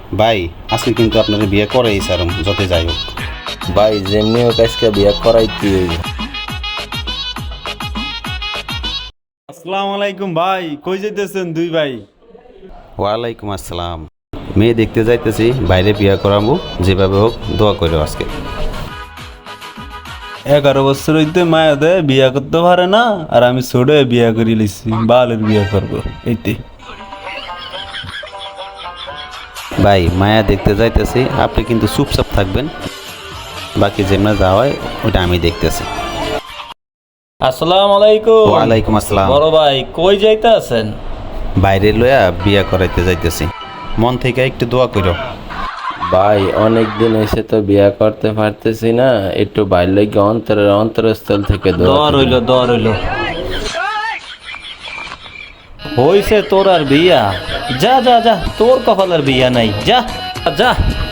ভাই আজকে কিন্তু আপনার বিয়ে করেই সারম যত যাই হোক। ভাই যেমনি হোক আজকে বিয়া করাইতে হইব। আসসালামু আলাইকুম ভাই, কই যাইতেছেন দুই ভাই? ওয়ালাইকুম আসসালাম। মেয়ে দেখতে যাইতেছি, বাইরে বিয়ে করাবো, যেভাবে হোক দোয়া করো আজকে। 11 বছর হইতে মায়া দেয় বিয়া করতে পারে না, আর আমি ছোট হয়ে বিয়া করি লিছি, বালের বিয়া করবো এইতে। ভাই মায়া দেখতে যাইতেছি, আপনি কিন্তু চুপচাপ থাকবেন, বাকি যেমন যা হয় ওটা আমি দেখতেছি। আসসালামু আলাইকুম। ওয়ালাইকুম আসসালাম। বড় ভাই কই যাইতে আছেন? বাইরে লইয়া বিয়া করাইতে যাইতেছি, মন থেকে একটু দোয়া করো। ভাই অনেক দিন এসে তো বিয়া করতে পারতেছি না, একটু বাইর লাগে অন্তরস্থল থেকে দর হইল হইছে তোর আর বিয়া? যা যা যা, তোর কপালের বিয়া নাই, যা যা।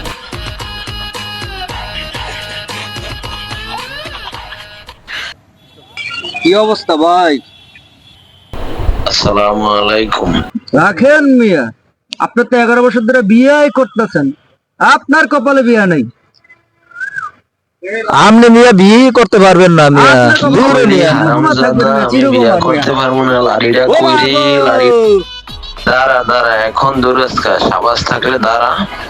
কি অবস্থা ভাই? আসসালামু আলাইকুম। রাখেন মিয়া, আপনার তো 11 বছর ধরে বিয়ে করতেছেন, আপনার কপালে বিয়া নাই। আপনি মিয়া বিয়ে করতে পারবেন না মিয়া। আপনার কপালে দূরে মিয়া। বোমা থাকবে না, চিরবোমা করতে মিয়া। পারবো না, লাড়িটা কইরে লাড়ি। দাঁড়া এখন দূরস্কা সাবাস থাকলে দাঁড়া।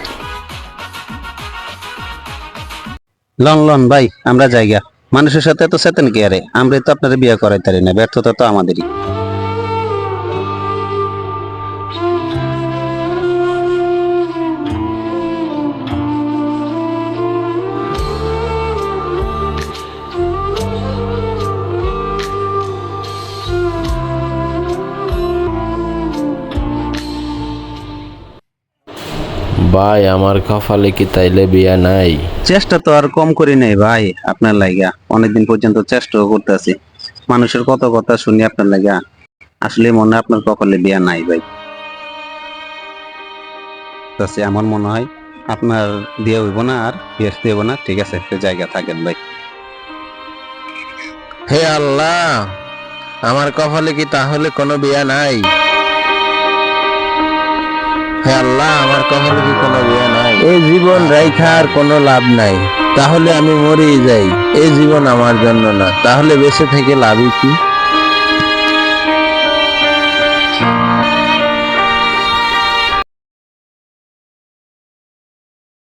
লন লন ভাই, আমরা জায়গা মানুষের সাথে তো চেতেন কি আরে, আমরা তো আপনার বিয়ে করাইতে পারি না, ব্যর্থতা তো আমাদেরই। ভাই আমার কপালে কি তাইলে বিয়া নাই? চেষ্টা তো আর কম করি নাই ভাই, আপনার লাগা অনেকদিন পর্যন্ত চেষ্টাও করতেছি, মানুষের কত কথা শুনি আপনার লাগা। আসলে মনে হয় আপনার কপালে বিয়া নাই ভাই। তাছে আমার মনে হয় আপনার বিয়ে হইব না, আর বিয়ে হইব না। ঠিক আছে, একটা জায়গা থাকেন ভাই। হে আল্লাহ, আমার কপালে কি তাহলে কোনো বিয়া নাই? হে আল্লাহ, আমার কপালে কি কোনো বিয়া নাই? এই জীবন রাইখা আর কোনো লাভ নাই, তাহলে আমি মরেই যাই। এই জীবন আমার জন্য না, তাহলে বেঁচে থেকে লাভই কি?